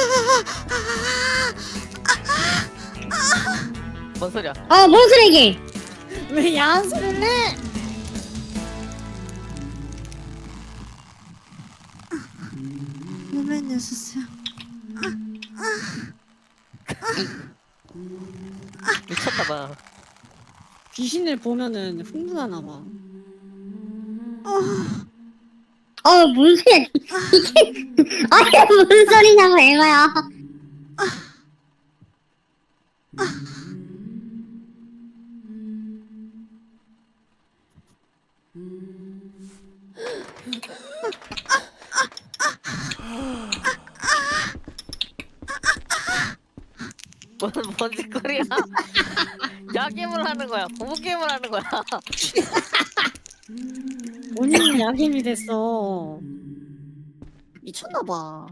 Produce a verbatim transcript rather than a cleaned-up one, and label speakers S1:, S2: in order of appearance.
S1: 뭔 소리야?
S2: 어, 뭔 소리게?
S3: 왜 야한 소리를 해?
S4: 내면 녀석이야.
S1: 미쳤나봐.
S3: 귀신을 보면은 흥분하나 봐.
S2: 어, 뭔 소리야? 이게 아니 무슨 소리냐고 에바야.
S1: 뭔, 뭔 짓거리야? 야겜을 하는 거야. 부부 게임을 하는 거야.
S3: 본인이 야김이 됐어. 미쳤나 봐.